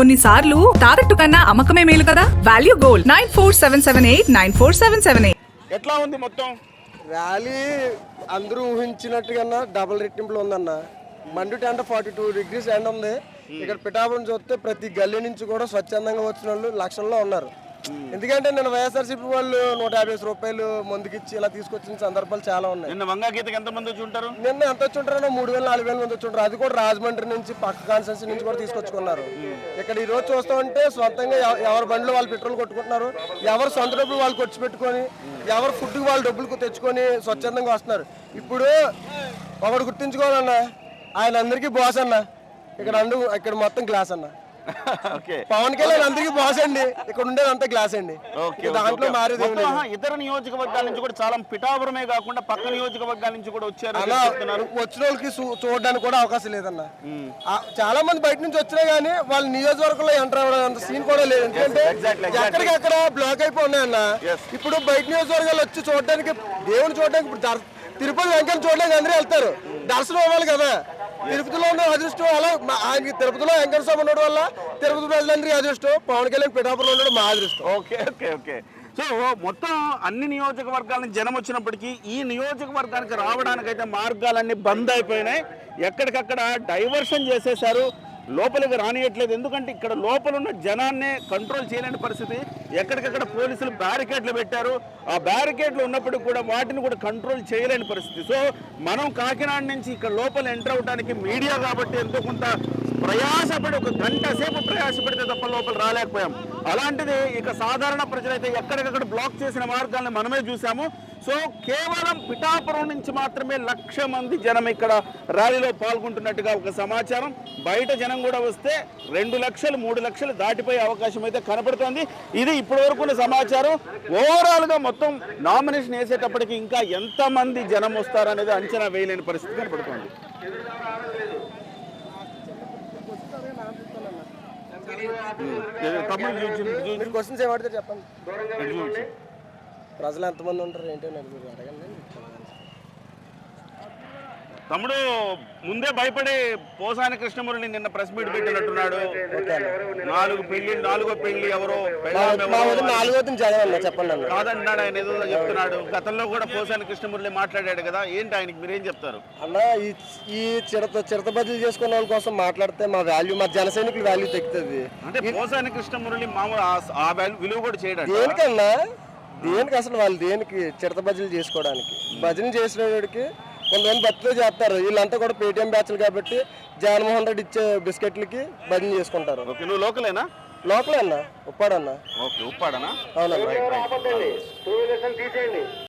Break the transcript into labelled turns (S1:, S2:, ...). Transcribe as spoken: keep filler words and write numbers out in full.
S1: కొన్నిసార్లు తాకట్టు కన్నా అమ్మకమే మేలు కదా. Value gold nine four seven seven eight nine four seven seven eight.
S2: ఎట్లా ఉంది మొత్తం
S3: ర్యాలీ? అందరూ ఊహించినట్టుగా డబుల్ రెట్టింపులు ఉందన్న. మండుటి అంటే ఫార్టీ టూ డిగ్రీస్ ఎండ ఉంది. ఇక్కడ పిఠాపురం చూస్తే ప్రతి గల్లీ నుంచి కూడా స్వచ్ఛందంగా వచ్చిన వాళ్ళు లక్షల్లో ఉన్నారు. ఎందుకంటే నేను వైఎస్ఆర్సీపీ వాళ్ళు నూట యాభై రూపాయలు ముందుకిచ్చి ఇలా తీసుకొచ్చిన సందర్భాలు చాలా ఉన్నాయి.
S2: నిన్న వంగాగీతకి ఎంత మంది వచ్చి ఉంటారు?
S3: నిన్న ఎంత వచ్చి ఉంటారో మూడు వేల నాలుగు వేల మంది వచ్చి ఉంటారు. అది కూడా రాజమండ్రి నుంచి పక్క కాన్స్టిట్యూన్సీ నుంచి కూడా తీసుకొచ్చుకున్నారు. ఇక్కడ ఈ రోజు చూస్తూ ఉంటే సొంతంగా ఎవరి బండ్లు వాళ్ళు పెట్రోల్ కొట్టుకుంటున్నారు, ఎవరు సొంత డబ్బులు వాళ్ళు ఖర్చు పెట్టుకొని, ఎవరు ఫుడ్కి వాళ్ళు డబ్బులు తెచ్చుకొని స్వచ్ఛందంగా వస్తున్నారు. ఇప్పుడు ఒకడు గుర్తించుకోవాలన్నా, ఆయన అందరికీ బాస్ అన్న. ఇక్కడ అందు ఇక్కడ మొత్తం గ్లాస్ అన్న. పవన్ కళ్యాణ్ అందరికి బాస్ అండి. ఇక్కడ ఉండేది అంతా గ్లాస్ అండి. దాంట్లో మారేది
S2: ఇతర నియోజకవర్గాల నుంచి కూడా చాలా, పిఠాపురమే కాకుండా పక్క నియోజకవర్గాల నుంచి కూడా వచ్చారు.
S3: వచ్చిన వాళ్ళకి చూడడానికి కూడా అవకాశం లేదన్న. చాలా మంది బయట నుంచి వచ్చినా గానీ వాళ్ళ నియోజకవర్గంలో ఎంటర్ అవ్వడం సీన్ కూడా లేదు. ఎందుకంటే ఎక్కడికక్కడ బ్లాక్ అయిపోయి ఉన్నాయన్న. ఇప్పుడు బయట నియోజకవర్గాలు వచ్చి చూడడానికి, దేవుని చూడడానికి, ఇప్పుడు తిరుపతి వెంకన్న చూడడానికి అందరూ వెళ్తారు. దర్శనం అవ్వాలి కదా. తిరుపతిలో ఉన్న అదృష్టం అలా ఆయన తిరుపతిలో వెంకట స్వామి ఉండడం వల్ల తిరుపతి ప్రజలందరికీ అదృష్టం, పవన్ కళ్యాణ్ పిఠాపురంలో ఉండడం మా అదృష్టం.
S2: ఓకే ఓకే ఓకే సో మొత్తం అన్ని నియోజకవర్గాల నుంచి జనం వచ్చినప్పటికీ ఈ నియోజకవర్గానికి రావడానికి అయితే మార్గాలన్నీ బంద్ అయిపోయినాయి. ఎక్కడికక్కడ డైవర్షన్ చేసేశారు, లోపలికి రానియట్లేదు. ఎందుకంటే ఇక్కడ లోపల ఉన్న జనాన్నే కంట్రోల్ చేయలేని పరిస్థితి. ఎక్కడికక్కడ పోలీసులు బ్యారికేడ్లు పెట్టారు. ఆ బ్యారికేడ్లు ఉన్నప్పటికీ కూడా వాటిని కూడా కంట్రోల్ చేయలేని పరిస్థితి. సో మనం కాకినాడ నుంచి ఇక్కడ లోపల ఎంటర్ అవడానికి మీడియా కాబట్టి ఎంతో కొంత ప్రయాసపడి, ఒక గంట సేపు ప్రయాసపడితే తప్ప లోపల రాలేకపోయాం. అలాంటిది ఇక సాధారణ ప్రజలైతే ఎక్కడికక్కడ బ్లాక్ చేసిన మార్గాలను మనమే చూసాము. సో కేవలం పిఠాపురం నుంచి మాత్రమే లక్ష మంది జనం ఇక్కడ ర్యాలీలో పాల్గొంటున్నట్టుగా ఒక సమాచారం. బయట జనం కూడా వస్తే రెండు లక్షలు మూడు లక్షలు దాటిపోయే అవకాశం అయితే కనపడుతోంది. ఇది ఇప్పటి వరకు ఉన్న సమాచారం. ఓవరాల్గా మొత్తం నామినేషన్ వేసేటప్పటికి ఇంకా ఎంతమంది జనం వస్తారనేది అంచనా వేయలేని పరిస్థితి కనపడుతోంది.
S3: క్వశ్చన్స్ ఏమంటారు చెప్పండి. ప్రజలు ఎంతమంది ఉంటారు ఏంటో అడగండి.
S2: తమ్ముడు ముందే భయపడి పోసాని కృష్ణమురళి నిన్న ప్రెస్ మీట్ పెట్టినట్టున్నాడు. నాలుగు పెళ్లి నాలుగో పెళ్లి ఎవరో
S3: చెప్పండి
S2: కాదంటున్నాడు, ఆయన ఏదో చెప్తున్నాడు. గతంలో కూడా పోసాని కృష్ణమురళి మాట్లాడాడు కదా, ఏంటి ఆయనకి మీరేం చెప్తారు?
S3: అన్న ఈ ఈ చిరత చిరత బదిలీ చేసుకున్న వాళ్ళ కోసం మాట్లాడితే మా వాల్యూ, మా జన సైనికుల వాల్యూ తగ్గుతుంది.
S2: అంటే పోసాని కృష్ణమురళి మామూలు ఆ వాల్యూ విలువ కూడా చేయడం
S3: దేనికన్నా, దేనికి అసలు వాళ్ళు దేనికి చిరత బదిలీ చేసుకోవడానికి? భజన చేసినవాడికి కొంతమంది భక్తులు చేస్తారు. వీళ్ళంతా కూడా పేటీఎం బ్యాచ్లు కాబట్టి జగన్మోహన్ రెడ్డి ఇచ్చే బిస్కెట్లకి భజన చేసుకుంటారు.
S2: నువ్వు లోకలేనా?
S3: లోకలే అన్న, ఉప్పాడన్నా.
S2: ఓకే, ఉప్పాడనా?
S3: అవునన్నా.